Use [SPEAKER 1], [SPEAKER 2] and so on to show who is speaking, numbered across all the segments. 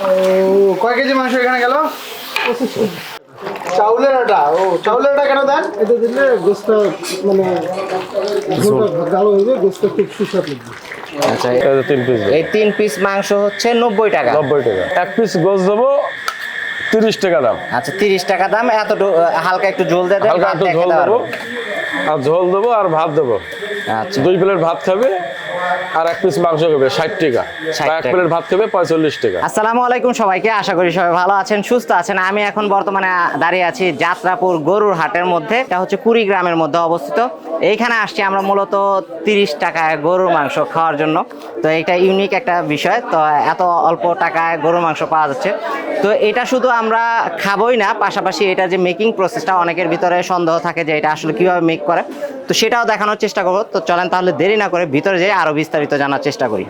[SPEAKER 1] ও কয় কেজি মাংস এখানে গেল? চাউলের আটা। ও চাউলের আটা কেন দেন?
[SPEAKER 2] এটা দিলে গোস্ত মানে ভালো হইবে, গোস্ত খুব সুস্বাদু লাগবে।
[SPEAKER 3] আচ্ছা,
[SPEAKER 4] এই যে 3 পিস।
[SPEAKER 3] এই 3 পিস মাংস হচ্ছে 90 টাকা।
[SPEAKER 4] 90 টাকা। 1 পিস গোস্ত দেবো 30 টাকা দাম।
[SPEAKER 3] আচ্ছা, 30 টাকা দাম। এত হালকা একটু ঝোল দিয়ে দেন,
[SPEAKER 4] হালকা
[SPEAKER 3] ভাত
[SPEAKER 4] একটু
[SPEAKER 3] দিয়ে
[SPEAKER 4] ঝোল
[SPEAKER 3] খেতে
[SPEAKER 4] দেবো,
[SPEAKER 3] পারবেন।
[SPEAKER 4] আর ঝোল দেবো আর ভাত দেবো।
[SPEAKER 3] আচ্ছা,
[SPEAKER 4] 2 প্লেট ভাত খাবে আর 1 পিস মাংস খাবে 60 টাকা।
[SPEAKER 3] 60
[SPEAKER 4] বা 1
[SPEAKER 3] টাকা।
[SPEAKER 4] প্লেট ভাত খাবে 45 টাকা।
[SPEAKER 3] আসসালামু আলাইকুম সবাইকে, আশা করি সবাই ভালো আছেন, সুস্থ আছেন। আমি এখন বর্তমানে দাঁড়িয়ে আছি যাত্রাপুর গরুর হাটের মধ্যে। এটা হচ্ছে কুড়িগ্রামের মধ্যে অবস্থিত। এইখানে আসছি আমরা মূলত 30 টাকায় গরুর মাংস খাওয়ার জন্য। তো এটা ইউনিক একটা বিষয়, তো এত অল্প টাকায় গরুর মাংস পাওয়া যাচ্ছে। তো এটা শুধু আমরা খাবোই না, পাশাপাশি এটা যে মেকিং প্রসেসটা অনেকের ভিতরে সন্দেহ থাকে যে এটা আসলে কিভাবে মেক করে, তো সেটাও দেখানোর চেষ্টা করবো। তো চলেন তাহলে দেরি না করে ভিতরে যেয়ে আরো বিস্তারিত জানার চেষ্টা করি।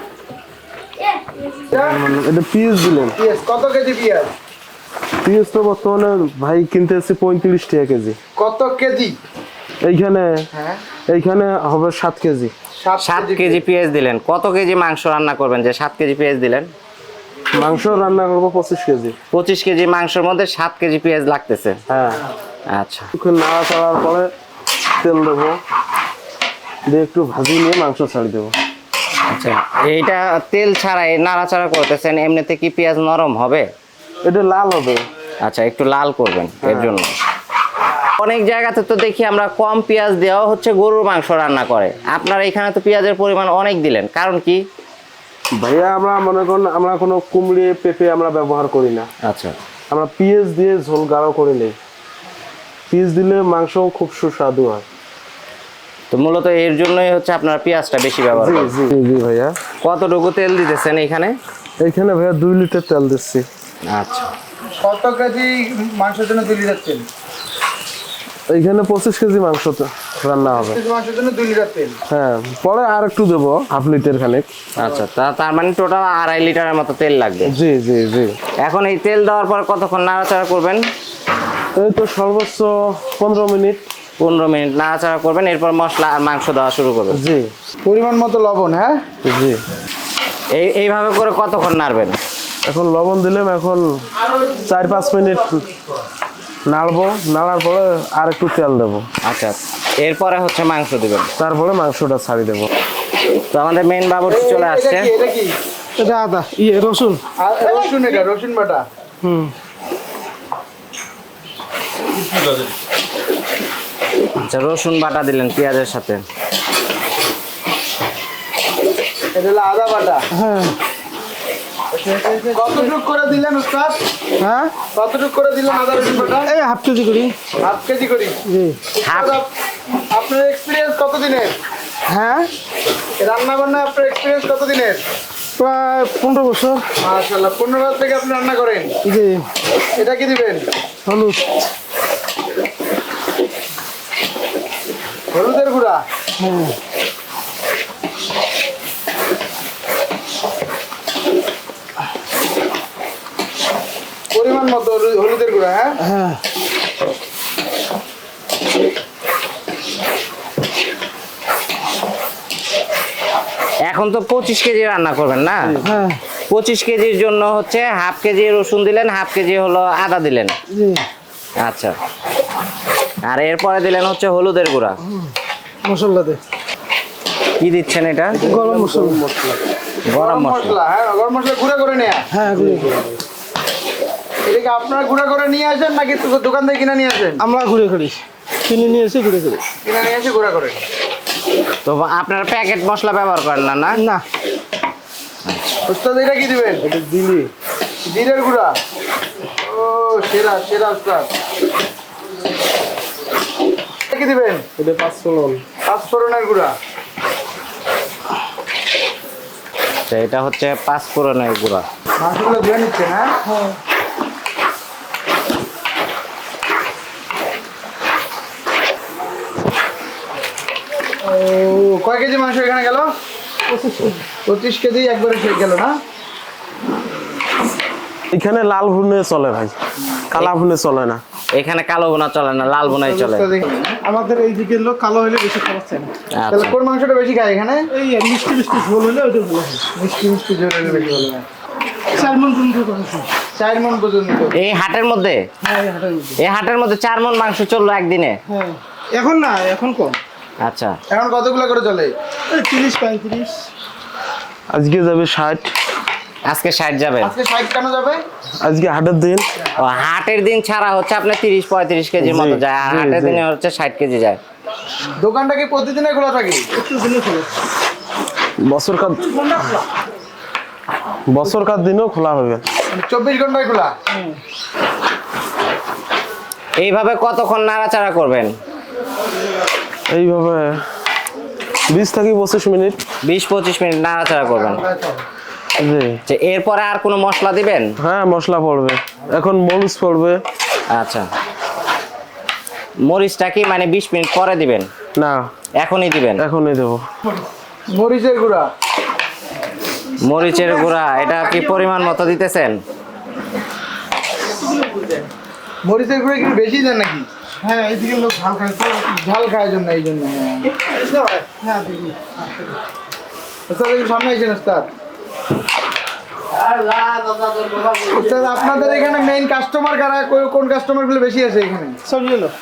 [SPEAKER 2] এটা পিস দিলেন।
[SPEAKER 1] পিঁয়াজ কত কেজি পিঁয়াজ?
[SPEAKER 2] পিস তো বর্তমানে ভাই কিনতে এসেছে 35 টাকা কেজি।
[SPEAKER 1] কত কেজি?
[SPEAKER 2] এইখানে
[SPEAKER 1] হ্যাঁ
[SPEAKER 2] এইখানে হবে 7 কেজি।
[SPEAKER 3] 7 কেজি পেঁয়াজ দিলেন। কত কেজি মাংস রান্না করবেন যে 7 কেজি পেঁয়াজ দিলেন?
[SPEAKER 2] মাংস রান্না করবো 25 কেজি।
[SPEAKER 3] 25 কেজি মাংসের মধ্যে 7 কেজি পেঁয়াজ লাগতেছে।
[SPEAKER 2] হ্যাঁ,
[SPEAKER 3] আচ্ছা,
[SPEAKER 2] একটু নাড়া চাড়ার পরে তেল দেবো, দিয়ে একটু ভাজি নিয়ে মাংস ছাড়ি দেবো।
[SPEAKER 3] আচ্ছা, এইটা তেল ছাড়াই নাড়াচাড়া করতেছেন, এমনিতে কি পেঁয়াজ নরম হবে?
[SPEAKER 2] এটা লাল হবে।
[SPEAKER 3] আচ্ছা, একটু লাল করবেন এর জন্য। অনেক জায়গাতে তো দেখি আমরা কম পেঁয়াজ দেওয়া হচ্ছে গরুর মাংস রান্না করে, আপনারা এখানে তো পেঁয়াজের পরিমাণ অনেক দিলেন, কারণ কি?
[SPEAKER 2] ভাইয়া আমরা মনে করুন আমরা কোনো কুমড়ি পেঁপে আমরা ব্যবহার করি না।
[SPEAKER 3] আচ্ছা,
[SPEAKER 2] আমরা পেঁয়াজ দিয়ে ঝোল গাঢ় করে নিই। পেঁয়াজ দিলে মাংস খুব সুস্বাদু হয়।
[SPEAKER 3] তো মূলত এর জন্যই হচ্ছে আপনারা পেঁয়াজটা বেশি ব্যবহার
[SPEAKER 2] জি
[SPEAKER 3] করেন।
[SPEAKER 2] জি জি ভাইয়া।
[SPEAKER 3] কতটুকু তেল দিতেছেন এখানে?
[SPEAKER 2] এইখানে ভাইয়া 2 লিটার তেল দিচ্ছি।
[SPEAKER 3] আচ্ছা,
[SPEAKER 1] কত কেজি মাংসের জন্য 2 লিটার তেল?
[SPEAKER 2] এইখানে 25 কেজি মাংস তো রান্না হবে।
[SPEAKER 1] কেজি মাংসের জন্য 2 লিটার তেল।
[SPEAKER 2] হ্যাঁ, পরে আর একটু দেবো, হাফ লিটার খানিক।
[SPEAKER 3] আচ্ছা, তার মানে টোটাল 2.5 লিটারের মতো তেল লাগবে।
[SPEAKER 2] জি জি জি।
[SPEAKER 3] এখন এই তেল দেওয়ার পর কতক্ষণ নাড়াচাড়া করবেন?
[SPEAKER 2] এই তো সর্বোচ্চ 15 মিনিট।
[SPEAKER 3] 15 মিনিট নাড়াচাড়া করবেন, এরপর মশলা আর মাংস দেওয়া শুরু করবেন।
[SPEAKER 2] জি
[SPEAKER 1] পরিমাণ মতো লবণ। হ্যাঁ,
[SPEAKER 2] জি।
[SPEAKER 3] এইভাবে করে কতক্ষণ নাড়বেন?
[SPEAKER 2] এখন লবণ দিলাম, এখন 4-5 মিনিট নাড়বো, নাড়ার পরে আর একটু তেল দেবো,
[SPEAKER 3] আচ্ছা, এরপরে হচ্ছে মাংস দিবেন,
[SPEAKER 2] তারপরে মাংসটা ছাড়ি দেবো।
[SPEAKER 3] তো আমাদের মেইন বাবুর্চি চলে আসছে।
[SPEAKER 1] এটা কি?
[SPEAKER 2] এটা আদা রসুন।
[SPEAKER 1] রসুন, এটা রসুন বাটা।
[SPEAKER 3] আচ্ছা, রসুন বাটা দিলেন পেঁয়াজের সাথে।
[SPEAKER 1] এটা হলো আদা বাটা।
[SPEAKER 2] হ্যাঁ
[SPEAKER 1] কতটুকু করে দিলেন উস্তাদ?
[SPEAKER 2] হ্যাঁ,
[SPEAKER 1] কতটুকু করে দিলেন আদা রসুন বাটা?
[SPEAKER 2] এই হাফ কেজি করি।
[SPEAKER 1] হাফ কেজি করি।
[SPEAKER 2] জি।
[SPEAKER 3] হাফ।
[SPEAKER 1] আপনার এক্সপিরিয়েন্স কত দিনের?
[SPEAKER 2] হ্যাঁ,
[SPEAKER 1] রান্না বান্না আপনার এক্সপিরিয়েন্স কত দিনের?
[SPEAKER 2] প্রায় 15 বছর।
[SPEAKER 1] মাশাআল্লাহ, 15 বছর থেকে আপনি রান্না করেন।
[SPEAKER 2] জি।
[SPEAKER 1] এটা কি দিবেন?
[SPEAKER 2] হলুদ।
[SPEAKER 1] হলুদের গুঁড়া।
[SPEAKER 2] হ্যাঁ,
[SPEAKER 1] পরিমাণ মতো হলুদের গুঁড়া। হ্যাঁ,
[SPEAKER 2] হ্যাঁ।
[SPEAKER 3] এখন তো 25 কেজি রান্না করবেন না?
[SPEAKER 2] হ্যাঁ,
[SPEAKER 3] 25 কেজির জন্য হচ্ছে হাফ কেজি রসুন দিলেন, হাফ কেজি হলো আদা দিলেন।
[SPEAKER 2] জি।
[SPEAKER 3] আচ্ছা, আর এরপরে দিলেন হচ্ছে হলুদের গুঁড়া।
[SPEAKER 2] মশলা দে।
[SPEAKER 3] কি দিচ্ছেন এটা?
[SPEAKER 2] গরম মশলা।
[SPEAKER 3] গরম মশলা।
[SPEAKER 1] মশলা। হ্যাঁ, গরম মশলা গুঁড়া করে নেয়া।
[SPEAKER 2] হ্যাঁ, গুঁড়ো করে।
[SPEAKER 1] এটা কি আপনারা গুঁড়া করে নিয়ে আসেন নাকি দোকান থেকে কিনে নিয়ে আসেন?
[SPEAKER 2] আমরা গুঁড়ো করি, কিনে নিয়ে এসে গুঁড়ো করি।
[SPEAKER 1] কিনে নিয়ে এসে গুঁড়া করেন।
[SPEAKER 3] তো আপনারা প্যাকেট মশলা ব্যবহার করেন না? না,
[SPEAKER 2] না,
[SPEAKER 1] উস্তাদ এটা কি দিবেন?
[SPEAKER 2] এটা দিলি
[SPEAKER 1] জিরের গুঁড়া। ও সেরা সেরা উস্তাদ। এটা কি দিবেন?
[SPEAKER 2] এটা 5 ফোড়ন।
[SPEAKER 1] 5 ফোড়নের গুঁড়া।
[SPEAKER 3] তো এটা হচ্ছে 5 ফোড়নের গুঁড়া।
[SPEAKER 1] মাংসগুলো ধুয়ে নিচ্ছেন? হ্যাঁ, ও কয় কেজি মাংস এখানে গেল? 25 কেজি একবারে শেষ গেল না?
[SPEAKER 2] এখানে লাল ভুনে চলে ভাই, কালা ভুনে চলে না।
[SPEAKER 3] এখানে কালো বোনা চলে না, লাল বোনাই চলে।
[SPEAKER 2] আমাদের এই দিকের লোক কালো হলে বেশি খাবার চায় না।
[SPEAKER 1] তাহলে
[SPEAKER 3] আচ্ছা,
[SPEAKER 1] কোন মাংসটা বেশি খায় এখানে?
[SPEAKER 2] এই মিষ্টি মিষ্টি ঝোল হলে ওইটা ভালো হয়।
[SPEAKER 1] মিষ্টি মিষ্টি ঝোল হলে বেশি ভালো হয়। 4 মণ পর্যন্ত।
[SPEAKER 3] এই হাটের মধ্যে?
[SPEAKER 1] হ্যাঁ, এই হাটের মধ্যে।
[SPEAKER 3] এই হাটের মধ্যে 4 মণ মাংস চললো একদিনে?
[SPEAKER 1] হ্যাঁ, এখন না, এখন কম।
[SPEAKER 3] আচ্ছা,
[SPEAKER 1] এখন কতগুলো করে চলে? 30-35।
[SPEAKER 2] আজকে যাবে 60।
[SPEAKER 3] আজকে 60 যাবে?
[SPEAKER 1] আজকে 60 কেন যাবে?
[SPEAKER 2] আজকে হাটের দিন।
[SPEAKER 3] ও, হাটের দিন ছাড়া হচ্ছে আপনার 30-35 কেজির মতো যায়, আর হাটের দিনে হচ্ছে 60 কেজি যায়।
[SPEAKER 1] দোকানটা কি প্রতিদিনে খোলা থাকে?
[SPEAKER 2] বছরকার দিনও খোলা হবে।
[SPEAKER 1] 24 ঘন্টায় খোলা?
[SPEAKER 3] এইভাবে কতক্ষণ নাড়াচাড়া করবেন?
[SPEAKER 2] এইভাবে 20 থেকে 25 মিনিট।
[SPEAKER 3] 20-25 মিনিট নাড়াচাড়া করবেন।
[SPEAKER 2] জি।
[SPEAKER 3] যে এরপরে আর কোনো মশলা দিবেন?
[SPEAKER 2] হ্যাঁ, মশলা পড়বে, এখন মরিচ পড়বে।
[SPEAKER 3] আচ্ছা, মরিচটা কি মানে 20 মিনিট পরে দিবেন?
[SPEAKER 2] না,
[SPEAKER 3] এখনই দিবেন?
[SPEAKER 2] এখনই দেবো।
[SPEAKER 1] মরিচের গুঁড়া?
[SPEAKER 3] মরিচের গুঁড়া এটা কি পরিমাণ মতো দিতেছেন?
[SPEAKER 1] মরিচের গুঁড়া কি বেশি দেন নাকি? হ্যাঁ, এইদিকে লোক ঝাল খায় তো, ঝাল খায় জন্য, এই জন্য। হ্যাঁ, দেখি। ওস্তাদ একটু সামনে আইছেন ওস্তাদ। ওস্তাদ, আপনাদের এখানে মেইন কাস্টমার কারা? কোন কাস্টমার গুলো বেশি আছে এখানে? চৌরা লোক।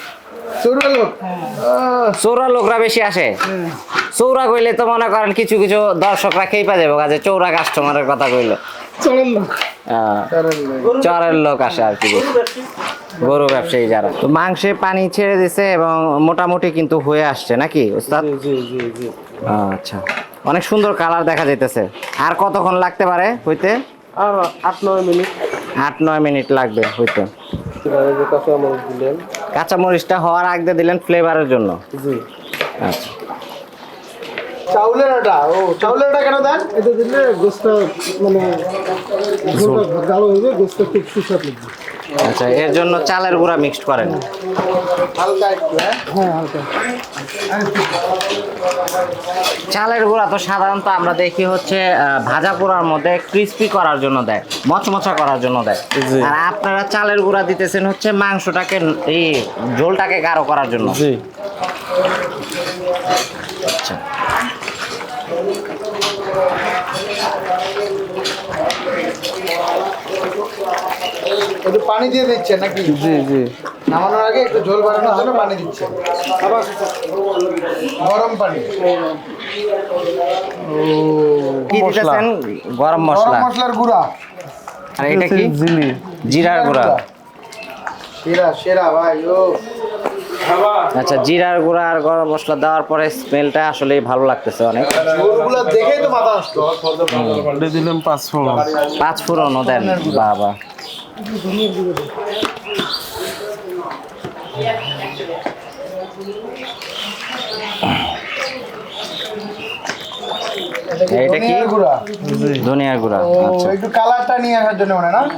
[SPEAKER 3] চৌরা লোকরা বেশি আসে? চৌরা কইলে তো মনে করেন কিছু কিছু দর্শকরা খেয়ে যাবে, কাজে চৌরা কাস্টমারের কথা কইলো।
[SPEAKER 1] চরের লোক।
[SPEAKER 3] চরের লোক আসে আর কি, গরু ব্যবসায়ী যারা। তো মাংসে পানি ছেড়ে দিছে এবং মোটামুটি কিন্তু হয়ে আসছে নাকি ওস্তাদ? আচ্ছা, অনেক সুন্দর কালার দেখা যাইতেছে। আর কতক্ষণ লাগতে পারে হইতে?
[SPEAKER 2] আর 8-9 মিনিট।
[SPEAKER 3] 8-9 মিনিট লাগবে হইতে।
[SPEAKER 2] কাঁচা মরিচ দিলেন।
[SPEAKER 3] কাঁচা মরিচটা হওয়ার আগে দিলেন ফ্লেভারের জন্য?
[SPEAKER 2] জি।
[SPEAKER 3] আচ্ছা,
[SPEAKER 1] চাউলের আটা? ও, চাউলের আটা কেন দেন?
[SPEAKER 5] এটা দিলে গোস্তটা মানে গাঢ় হয়ে যাবে, গোস্তটা খুব সুস্বাদু লাগবে।
[SPEAKER 3] আচ্ছা, এর জন্য চালের গুঁড়া মিক্সড করেন?
[SPEAKER 1] হালকা একটু, হ্যাঁ?
[SPEAKER 5] হ্যাঁ, হালকা।
[SPEAKER 3] চালের গুঁড়া তো সাধারণত আমরা দেখি হচ্ছে ভাজা পোড়ার মধ্যে ক্রিস্পি করার জন্য দেয়, মচমচা করার জন্য দেয়। আর আপনারা চালের গুঁড়া দিতেছেন হচ্ছে মাংসটাকে, এই ঝোলটাকে গাঢ় করার জন্য।
[SPEAKER 2] জি।
[SPEAKER 3] আচ্ছা,
[SPEAKER 1] একটু পানি দিয়ে দিচ্ছেন নাকি?
[SPEAKER 2] জি জি।
[SPEAKER 1] নামানোর আগে একটু ঝোল বাড়ানোর জন্য পানি দিচ্ছেন, গরম পানি।
[SPEAKER 3] কি দিতেছেন? গরম
[SPEAKER 1] গরম
[SPEAKER 3] মশলা।
[SPEAKER 1] মশলার গুঁড়া।
[SPEAKER 3] আর এটা কি?
[SPEAKER 2] জিলি।
[SPEAKER 3] জিরার গুঁড়া।
[SPEAKER 1] সেরা সেরা ভাই। ও,
[SPEAKER 3] আচ্ছা, জিরার গুঁড়া আর গরম মশলা দেওয়ার পরে স্মেলটা আসলেই ভালো লাগতেছে অনেক।
[SPEAKER 1] ঝোলগুলো দেখেই তো মাথা নষ্ট।
[SPEAKER 2] দিলাম 5 ফোড়ন।
[SPEAKER 3] 5 ফোড়নও দেন? বাবা, এটা কি?
[SPEAKER 1] ধনিয়ার গুঁড়া।
[SPEAKER 3] ধনিয়ার গুঁড়া।
[SPEAKER 1] ও,
[SPEAKER 3] আচ্ছা,
[SPEAKER 1] একটু কালারটা নিয়ে আসার জন্য মনে হয় না?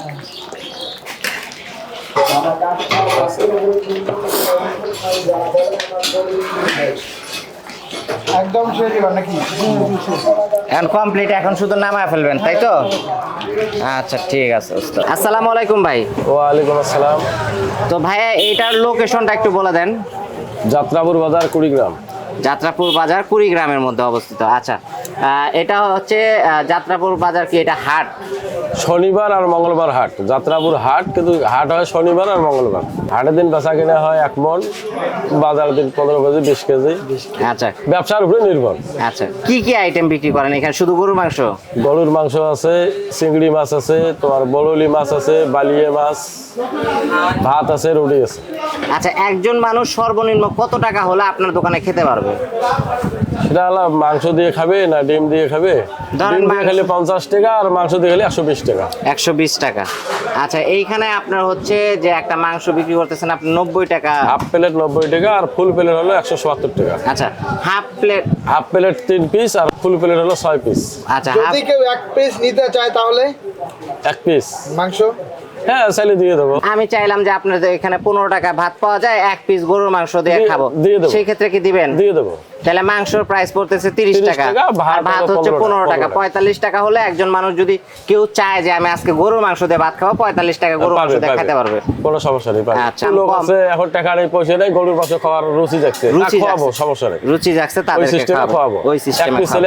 [SPEAKER 1] একদম শেষ এবার নাকি?
[SPEAKER 3] এখন কমপ্লিট, এখন শুধু নামায় ফেলবেন তাই তো? আচ্ছা, ঠিক আছে ওস্তাদ। আসসালামু আলাইকুম ভাই।
[SPEAKER 4] ওয়ালাইকুম আসসালাম।
[SPEAKER 3] তো ভাইয়া এইটার লোকেশনটা একটু বলে দেন।
[SPEAKER 4] যাত্রাপুর বাজার কুড়িগ্রাম।
[SPEAKER 3] যাত্রাপুর বাজার কুড়িগ্রামের মধ্যে অবস্থিত। আচ্ছা, এটা হচ্ছে যাত্রাপুর বাজার কি এটা হাট?
[SPEAKER 4] শনিবার আর মঙ্গলবার হাট, যাত্রাপুর হাট, কিন্তু হাট হয় শনিবার আর মঙ্গলবার। হাটের দিন বেচা কিনা হয় 1 মণ, বাজার দিন 15 কেজি 20 কেজি।
[SPEAKER 3] আচ্ছা
[SPEAKER 4] ব্যবসার উপরে নির্ভর।
[SPEAKER 3] আচ্ছা, কি কি আইটেম বিক্রি করেন এখানে? শুধু গরুর মাংস?
[SPEAKER 4] গরুর মাংস আছে, চিংড়ি মাছ আছে, তোমার বললি মাছ আছে, বালিয়ে মাছ, ভাত আছে, রুটি আছে।
[SPEAKER 3] আচ্ছা, একজন মানুষ সর্বনিম্ন কত টাকা হলে আপনার দোকানে খেতে পারবে?
[SPEAKER 4] সেটা হলো মাংস দিয়ে খাবে না ডিম দিয়ে খাবে?
[SPEAKER 3] ধরেন
[SPEAKER 4] ডিম দিয়ে খেলে 50 টাকা আর মাংস দিয়ে খেলে 120 টাকা।
[SPEAKER 3] 120 টাকা। আচ্ছা, এইখানে আপনার হচ্ছে যে একটা মাংস বিক্রি করতেছেন আপনি 90 টাকা।
[SPEAKER 4] হাফ প্লেট 90 টাকা আর ফুল প্লেট হলো 170 টাকা।
[SPEAKER 3] আচ্ছা, half plate?
[SPEAKER 4] Half plate 3 piece আর ফুল প্লেট হলো 6 পিস।
[SPEAKER 3] আচ্ছা,
[SPEAKER 1] যদি কেউ 1 পিস নিতে চায় তাহলে
[SPEAKER 4] 1 পিস
[SPEAKER 1] মাংস?
[SPEAKER 4] হ্যাঁ, চাইলে দিয়ে দেবো।
[SPEAKER 3] আমি চাইলাম যে আপনাদের এখানে 15 টাকা ভাত পাওয়া যায়, 1 পিস গরুর মাংস দিয়ে খাবো,
[SPEAKER 4] দিয়ে দেবো।
[SPEAKER 3] সেই ক্ষেত্রে কি দিবেন?
[SPEAKER 4] দিয়ে দেবো।
[SPEAKER 3] তাহলে মাংসের প্রাইস পড়তেছে 30 টাকা, আর ভাত হচ্ছে 15 টাকা। 45 টাকা হলে একজন মানুষ যদি কেউ চায় যে আমি আজকে গরুর মাংস দিয়ে ভাত খাবো, 45 টাকা গরুর মাংস দিয়ে খেতে পারবে।
[SPEAKER 4] কোনো সমস্যা নেই।
[SPEAKER 3] আচ্ছা,
[SPEAKER 4] লোক আছে এখন টাকা নেই, পয়সা নেই, গরুর মাংস খাওয়ার রুচি দেখছে,
[SPEAKER 3] রুচি
[SPEAKER 4] খাওয়াবো,
[SPEAKER 3] জাগছে।
[SPEAKER 4] সমস্যা নেই।
[SPEAKER 3] রুচি জাগছে,
[SPEAKER 4] ওই
[SPEAKER 3] তাদেরকে
[SPEAKER 4] সিস্টেমে
[SPEAKER 3] খাওয়াবো,
[SPEAKER 4] খাওয়াবো।
[SPEAKER 3] ওই
[SPEAKER 4] 1
[SPEAKER 3] সিস্টেমে
[SPEAKER 4] পিস হলে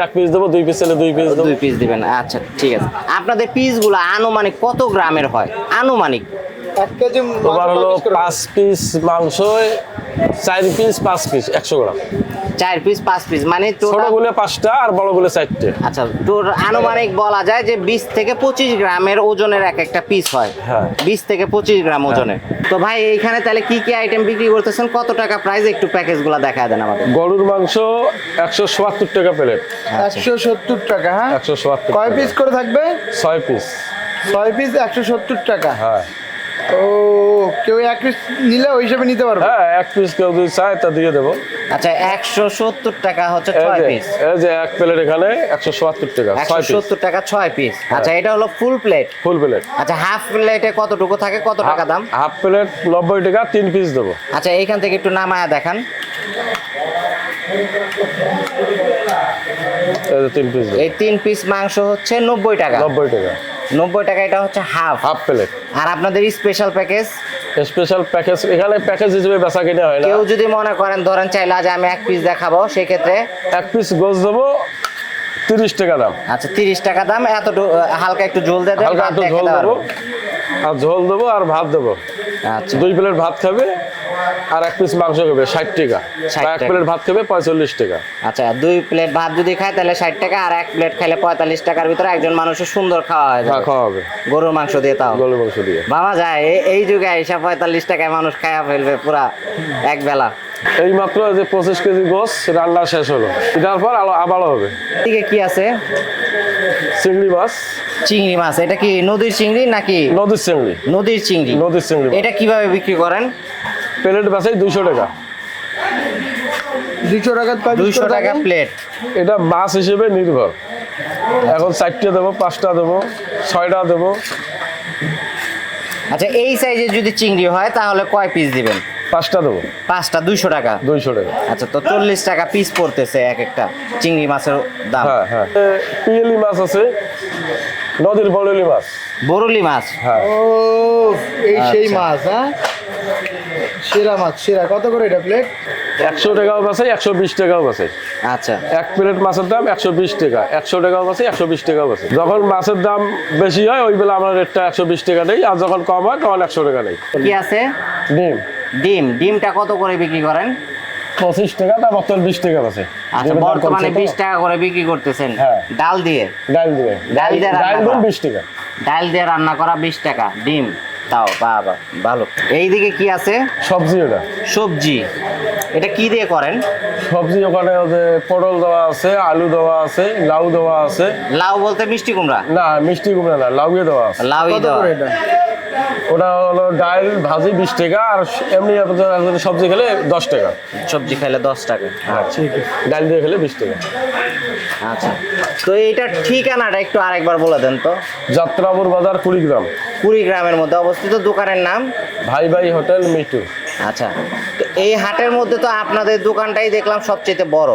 [SPEAKER 4] এক পিস দেবো, 2 পিস চাইলে 2 পিস দেবো।
[SPEAKER 3] 2 পিস দিবেন, আচ্ছা ঠিক আছে। আপনাদের পিসগুলো আনুমানিক কত গ্রামের হয়? আনুমানিক
[SPEAKER 1] 1 কেজি
[SPEAKER 4] তোমার হলো 5 পিস মাংস, 4 piece 5 piece 100 gram.
[SPEAKER 3] 4 piece 5 piece মানে
[SPEAKER 4] ছোট
[SPEAKER 3] টোটাল।
[SPEAKER 4] গুলো 5টা আর বড় গুলো 4টে।
[SPEAKER 3] আচ্ছা, তোর আনুমানিক বলা যায় যে 20 থেকে 25 গ্রামের ওজনের এক একটা পিস হয়।
[SPEAKER 4] হ্যাঁ।
[SPEAKER 3] 20 থেকে 25 গ্রাম ওজনের। তো ভাই এইখানে তাহলে কি কি আইটেম বিক্রি করতেছেন, কত টাকা প্রাইস, একটু প্যাকেজগুলো দেখায় দেন আমাদের।
[SPEAKER 4] গরুর মাংস 177 টাকা প্লেট।
[SPEAKER 1] 170 টাকা। হ্যাঁ,
[SPEAKER 4] 177
[SPEAKER 1] কয় পিস করে থাকবে?
[SPEAKER 4] 6 পিস।
[SPEAKER 1] 6 পিস 170 টাকা।
[SPEAKER 4] হ্যাঁ
[SPEAKER 1] ও, কেউ 1 পিস নিলে ওই হিসাবে নিতে পারবে?
[SPEAKER 4] হ্যাঁ, 1 পিস কেউ যদি চায় তা দিয়ে দেবো।
[SPEAKER 3] আচ্ছা, 170 টাকা হচ্ছে 6 পিস।
[SPEAKER 4] এই যে এক প্লেট এখানে 177 টাকা 6 পিস।
[SPEAKER 3] 170 টাকা 6 পিস। আচ্ছা, এটা হলো ফুল প্লেট।
[SPEAKER 4] Full plate.
[SPEAKER 3] আচ্ছা, হাফ প্লেটে কতটুকু থাকে, কত টাকা দাম?
[SPEAKER 4] হাফ প্লেট 90 টাকা, 3 পিস দেবো।
[SPEAKER 3] আচ্ছা, এইখান থেকে একটু নামায়া দেখান।
[SPEAKER 4] এই যে 3 পিস দেবো,
[SPEAKER 3] এই 3 পিস মাংস হচ্ছে 90 টাকা।
[SPEAKER 4] 90 টাকা
[SPEAKER 3] 90 টাকা, এটা হচ্ছে হাফ।
[SPEAKER 4] Half plate.
[SPEAKER 3] আর আপনাদের স্পেশাল প্যাকেজ,
[SPEAKER 4] স্পেশাল প্যাকেজ এখানে প্যাকেজ হিসেবে বেচা কিনে হয় না।
[SPEAKER 3] কেউ যদি মনে করেন ধরেন চাইলে আজ আমি 1 পিস দেখাবো, সেই ক্ষেত্রে
[SPEAKER 4] 1 পিস গোস দেবো 30 টাকা দাম।
[SPEAKER 3] আচ্ছা 30 টাকা দাম। হালকা একটু ঝোল দিয়ে দেন,
[SPEAKER 4] হালকা
[SPEAKER 3] ভাত
[SPEAKER 4] একটু
[SPEAKER 3] দিয়ে
[SPEAKER 4] ঝোল
[SPEAKER 3] খেতে
[SPEAKER 4] দেবো,
[SPEAKER 3] পারবেন।
[SPEAKER 4] আর ঝোল দেবো আর ভাত দেবো।
[SPEAKER 3] আচ্ছা
[SPEAKER 4] 2 প্লেট ভাত খাবে আর 1 পিস মাংস খাবে 60 টাকা।
[SPEAKER 3] 60
[SPEAKER 4] 1
[SPEAKER 3] টাকা।
[SPEAKER 4] প্লেট ভাত খাবে 45 টাকা।
[SPEAKER 3] আচ্ছা, 2 প্লেট ভাত যদি খায় তাহলে 60 টাকা, আর 1 প্লেট খাইলে 45 টাকার ভিতরে একজন মানুষের সুন্দর খাওয়া হয়।
[SPEAKER 4] হ্যাঁ, খাওয়া হবে
[SPEAKER 3] গরুর মাংস দিয়ে তাও
[SPEAKER 4] গরুর মাংস দিয়ে।
[SPEAKER 3] বাবা যায় এই যুগে এসে 45 টাকায় মানুষ খায়া ফেলবে পুরা এক বেলা।
[SPEAKER 4] এই মাত্র যে 25 কেজি গোস রান্না শেষ হলো, এটার পর আবারও হবে।
[SPEAKER 3] এদিকে কি আছে?
[SPEAKER 4] চিংড়ি মাছ।
[SPEAKER 3] চিংড়ি মাছ। এটা কি নদীর চিংড়ি নাকি?
[SPEAKER 4] নদীর চিংড়ি।
[SPEAKER 3] নদীর চিংড়ি।
[SPEAKER 4] নদীর চিংড়ি।
[SPEAKER 3] এটা কিভাবে বিক্রি করেন?
[SPEAKER 4] প্লেট বেচাই 200 টাকা।
[SPEAKER 1] 200 টাকা
[SPEAKER 3] 200 টাকা প্লেট।
[SPEAKER 4] এটা মাছ হিসেবে নির্ভর। এখন 4টে দেবো, 5টা দেবো, 6টা দেবো।
[SPEAKER 3] আচ্ছা, এই সাইজের যদি চিংড়ি হয় তাহলে কয় পিস দিবেন?
[SPEAKER 4] 5টা দেবো।
[SPEAKER 3] 5টা 200 টাকা।
[SPEAKER 4] 200 টাকা।
[SPEAKER 3] আচ্ছা, তো 40 টাকা পিস পড়তেছে এক একটা চিংড়ি মাছের দাম।
[SPEAKER 4] হ্যাঁ হ্যাঁ। পিয়েলি মাছ আছে, নদীর বড়লি মাছ।
[SPEAKER 3] বরুলি মাছ।
[SPEAKER 4] হ্যাঁ।
[SPEAKER 1] ও, এই সেই
[SPEAKER 3] আচ্ছা।
[SPEAKER 1] মাছ। হ্যাঁ, সেরা মাছ, সেরা। কত করে এটা প্লেট?
[SPEAKER 4] 100 টাকাও বাসাই, 120 টাকাও বাসাই।
[SPEAKER 3] আচ্ছা
[SPEAKER 4] 1 প্লেট মাছের দাম 120 টাকা, 100 টাকাও বাসাই, 120 টাকাও বাসাই। যখন মাছের দাম বেশি হয় ওই বেলা আমরা রেটটা 120 টাকা নেই, আর যখন কম হয় তখন 100 টাকা নেই।
[SPEAKER 3] কি আছে?
[SPEAKER 4] ডিম।
[SPEAKER 3] ডিমটা কত করে বিক্রি করেন?
[SPEAKER 4] 25 টাকা, তার বর্তমান 20 টাকা বাসাই।
[SPEAKER 3] আচ্ছা, বর্তমানে 20 টাকা করে বিক্রি করতেছেন।
[SPEAKER 4] হ্যাঁ।
[SPEAKER 3] ডাল দিয়ে?
[SPEAKER 4] ডাল দিয়ে।
[SPEAKER 3] ডাল দিয়ে রান্না
[SPEAKER 4] ডাল
[SPEAKER 3] করা?
[SPEAKER 4] 20 টাকা।
[SPEAKER 3] ডাল দিয়ে রান্না করা 20 টাকা। ডিম তাও বাবা ভালো। এইদিকে কি আছে?
[SPEAKER 4] সবজি। ওটা
[SPEAKER 3] সবজি। এটা কি দিয়ে করেন?
[SPEAKER 4] সবজি ওখানে ওদের পটল দেওয়া আছে, আলু দেওয়া আছে, লাউ দেওয়া আছে।
[SPEAKER 3] লাউ বলতে মিষ্টি কুমড়া?
[SPEAKER 4] না, মিষ্টি কুমড়া না, লাউয়ে দেওয়া আছে।
[SPEAKER 3] লাউই
[SPEAKER 1] কত
[SPEAKER 3] দেওয়া।
[SPEAKER 1] করে এটা?
[SPEAKER 4] ওটা হলো ডাল ভাজি 20 টাকা, আর এমনি আপনার সবজি খেলে 10 টাকা।
[SPEAKER 3] সবজি খাইলে 10 টাকা।
[SPEAKER 1] ঠিক আছে।
[SPEAKER 4] ডাল দিয়ে খেলে 20 টাকা।
[SPEAKER 3] আচ্ছা, তো এইটার ঠিকানাটা একটু আরেকবার বলে দেন তো।
[SPEAKER 4] যাত্রাপুর বাজার, কুড়িগ্রাম।
[SPEAKER 3] কুড়িগ্রামের মধ্যে অবস্থিত। দোকানের নাম?
[SPEAKER 4] ভাই ভাই হোটেল, মিটু।
[SPEAKER 3] আচ্ছা, তো এই হাটের মধ্যে তো আপনাদের দোকানটাই দেখলাম সবচেয়ে বড়।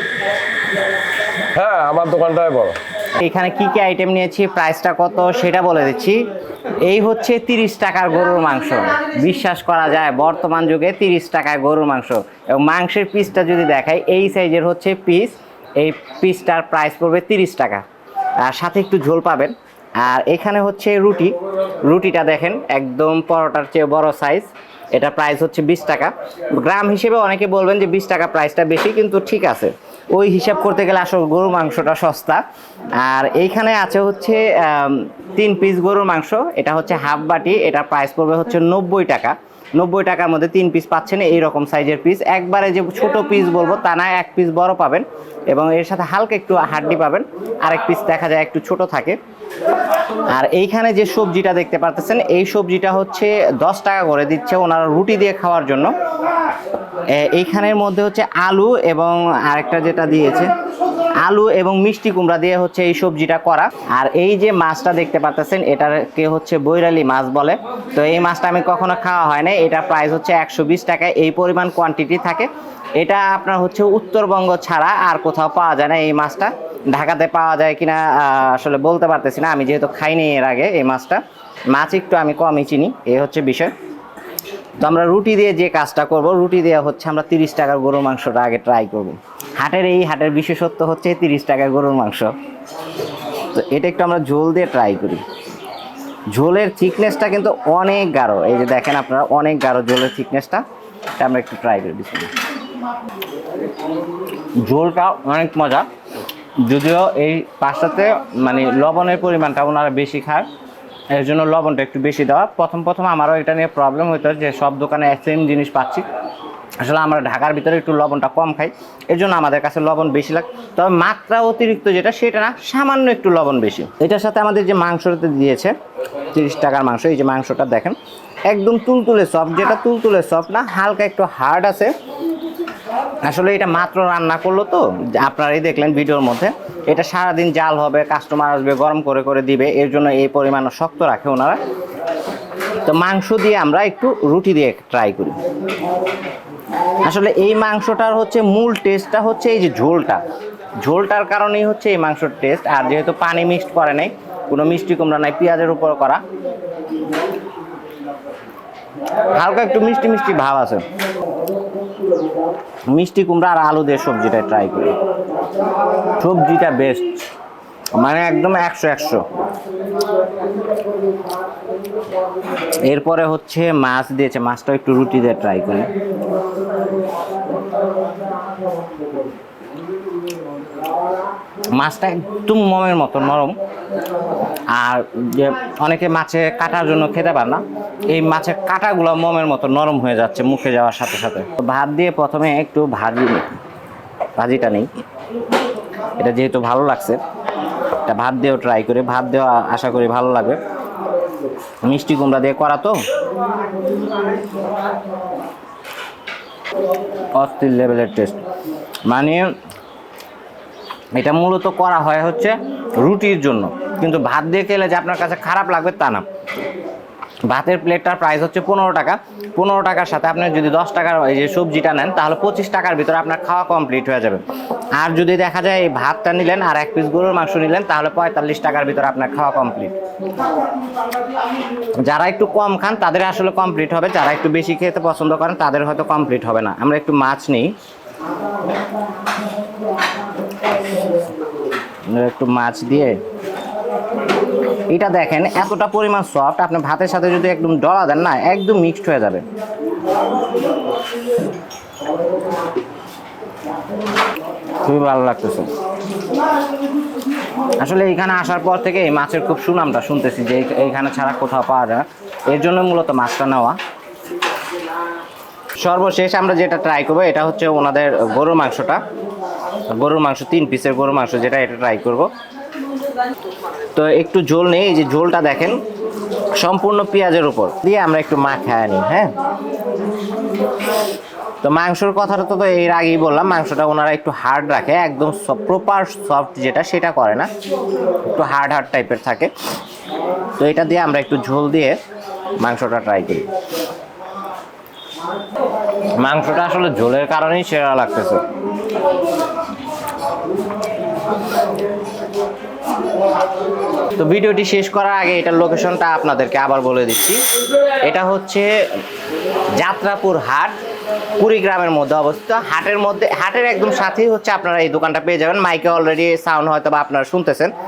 [SPEAKER 4] হ্যাঁ, আমার দোকানটাই বড়।
[SPEAKER 3] এখানে কি কি আইটেম নিয়েছি, প্রাইসটা কত সেটা বলে দিচ্ছি। এই হচ্ছে 30 টাকার গরুর মাংস। বিশ্বাস করা যায় বর্তমান যুগে 30 টাকায় গরুর মাংস। এবং মাংসের পিসটা যদি দেখাই, এই সাইজের হচ্ছে পিস। এই পিসটার প্রাইস পড়বে 30 টাকা, আর সাথে একটু ঝোল পাবেন। আর এখানে হচ্ছে রুটিটা দেখেন একদম পরোটার চেয়ে বড় সাইজ। এটা প্রাইস হচ্ছে 20 টাকা। গ্রাম হিসেবে অনেকে বলবেন যে 20 টাকা প্রাইসটা বেশি, কিন্তু ঠিক আছে, ওই হিসাব করতে গেলে আসলে গরুর মাংসটা সস্তা। আর এইখানে আছে হচ্ছে 3 পিস গরুর মাংস। এটা হচ্ছে হাফ বাটি। এটা প্রাইস পড়বে হচ্ছে 90 টাকা। 90 টাকার মধ্যে 3 পিস পাচ্ছেন, এইরকম সাইজের পিস। একবারে যে ছোট পিস বলবো তা না, 1 পিস বড় পাবেন এবং এর সাথে হালকা একটু হাড্ডি পাবেন, আরেক পিস দেখা যায় একটু ছোট থাকে। আর এইখানে যে সবজিটা দেখতে পাচ্ছেন, এই সবজিটা হচ্ছে 10 টাকা করে দিচ্ছে ওনারা রুটি দিয়ে খাওয়ার জন্য। এইখানের মধ্যে হচ্ছে আলু এবং আরেকটা যেটা দিয়েছে আলু এবং মিষ্টি কুমড়া দিয়ে হচ্ছে এই সবজিটা করা। আর এই যে মাছটা দেখতে পাচ্ছেন, এটাকে হচ্ছে বৈরালি মাছ বলে। তো এই মাছটা আমি কখনো খাওয়া হয় না। এটা প্রাইস হচ্ছে 120 টাকা। এই পরিমাণ কোয়ান্টিটি থাকে। এটা আপনার হচ্ছে উত্তরবঙ্গ ছাড়া আর কোথাও পাওয়া যায় না এই মাছটা। ঢাকাতে পাওয়া যায় কিনা আসলে বলতে পারতেছি না, আমি যেহেতু খাইনি এর আগে এই মাছটা। মাছ একটু আমি কমই চিনি, এই হচ্ছে বিষয়। তো আমরা রুটি দিয়ে যে কাজটা করব, রুটি দিয়ে হচ্ছে আমরা 30 টাকার গরুর মাংসটা আগে ট্রাই করব। এই হাটের বিশেষত্ব হচ্ছে 30 টাকায় গরুর মাংস। তো এটা একটু আমরা ঝোল দিয়ে ট্রাই করি। ঝোলের থিকনেসটা কিন্তু অনেক গাঢ়, এই যে দেখেন আপনারা অনেক গাঢ় ঝোলের থিকনেসটা। এটা আমরা একটু ট্রাই করে দিচ্ছি। ঝোলটা অনেক মজা, যদিও এই পাশটাতে মানে লবণের পরিমাণটা ওনারা বেশি খায়, এর জন্য লবণটা একটু বেশি দেওয়া। প্রথম আমারও এটা নিয়ে প্রবলেম হতো যে সব দোকানে সেম জিনিস পাচ্ছি, আসলে আমরা ঢাকার ভিতরে একটু লবণটা কম খাই, এর জন্য আমাদের কাছে লবণ বেশি লাগে। তবে মাত্রা অতিরিক্ত যেটা সেটা না, সামান্য একটু লবণ বেশি। এটার সাথে আমাদের যে মাংসটা দিয়েছে 30 টাকার মাংস, এই যে মাংসটা দেখেন একদম তুলতুলে সফট, যেটা তুলতুলে সফট না, হালকা একটু হার্ড আছে। আসলে এটা মাত্র রান্না করলো তো, আপনারাই দেখলেন ভিডিওর মধ্যে, এটা সারাদিন জাল হবে, কাস্টমার আসবে গরম করে করে দিবে, এর জন্য এই পরিমাণ শক্ত রাখে ওনারা। তো মাংস দিয়ে আমরা একটু রুটি দিয়ে ট্রাই করি। আসলে এই মাংসটার হচ্ছে মূল টেস্টটা হচ্ছে এই যে ঝোলটার কারণেই হচ্ছে এই মাংসর টেস্ট। আর যেহেতু পানি মিক্সড করে নাই, কোনো মিষ্টি কুমড়া নাই, পেঁয়াজের উপর করা, হালকা একটু মিষ্টি মিষ্টি ভাব আছে। মিষ্টি কুমড়া আর আলু দিয়ে সবজিটা ট্রাই করি। সবজিটা বেস্ট, মানে একদম 100। এরপরে হচ্ছে মাছ দিয়েছে, মাছটা একটু রুটি দিয়ে ট্রাই করি। মাছটা একদম মমের মতো নরম। আর যে অনেকে মাছে কাটার জন্য খেতে পারে না, এই মাছের কাটাগুলো মমের মতো নরম হয়ে যাচ্ছে মুখে যাওয়ার সাথে সাথে। ভাত দিয়ে প্রথমে একটু ভাজিটা নেই, এটা যেহেতু ভালো লাগছে, এটা ভাত দিয়েও ট্রাই করি। ভাত দেওয়া আশা করি ভালো লাগবে, মিষ্টি কুমড়া দিয়ে করা তো অস্থির লেভেলের টেস্ট। মানে এটা মূলত করা হয় হচ্ছে রুটির জন্য, কিন্তু ভাত দিয়ে খেলে যে আপনার কাছে খারাপ লাগবে তা না। ভাতের প্লেটটার প্রাইস হচ্ছে 15 টাকা। 15 টাকার সাথে আপনি যদি 10 টাকার এই যে সবজিটা নেন, তাহলে 25 টাকার ভিতরে আপনার খাওয়া কমপ্লিট হয়ে যাবে। আর যদি দেখা যায় এই ভাতটা নিলেন আর 1 পিস গরুর মাংস নিলেন, তাহলে 45 টাকার ভিতরে আপনার খাওয়া কমপ্লিট। যারা একটু কম খান তাদের আসলে কমপ্লিট হবে, যারা একটু বেশি খেতে পছন্দ করেন তাদের হয়তো কমপ্লিট হবে না। আমরা একটু মাছ নিই, একটু মাছ দিয়ে এটা দেখেন এতটা পরিমাণ সফট, আপনি ভাতের সাথে যদি একদম ডলা দেন না, একদম মিক্সড হয়ে যাবে। খুবই ভালো লাগতেছে। আসলে এইখানে আসার পর থেকে এই মাছের খুব সুনামটা শুনতেছি যে এইখানে ছাড়া কোথাও পাওয়া যায় না, এর জন্য মূলত মাছটা নেওয়া। সর্বশেষ আমরা যেটা ট্রাই করবো এটা হচ্ছে ওনাদের গরুর মাংসটা, গরুর মাংস 3 পিসের গরুর মাংস যেটা, এটা ট্রাই করব। তো একটু ঝোল নেই, এই যে ঝোলটা দেখেন সম্পূর্ণ পেঁয়াজের উপর দিয়ে আমরা একটু মাখায় নিই। হ্যাঁ, তো মাংসর কথাটা তো এর আগেই বললাম, মাংসটা ওনারা একটু হার্ড রাখে, একদম প্রপার সফট যেটা সেটা করে না, একটু হার্ড টাইপের থাকে। তো এটা দিয়ে আমরা একটু ঝোল দিয়ে মাংসটা ট্রাই করি। মাংসটা আসলে ঝোলের কারণেই সেরা লাগতেছে। তো ভিডিওটি শেষ করার আগে এটার লোকেশনটা আপনাদেরকে আবার বলে দিচ্ছি। এটা হচ্ছে যাত্রাপুর হাট, কুড়িগ্রামের মধ্যে অবস্থিত। হাটের একদম সাথেই হচ্ছে আপনারা এই দোকানটা পেয়ে যাবেন। মাইকে অলরেডি সাউন্ড হয়তো বা আপনারা শুনতেছেন।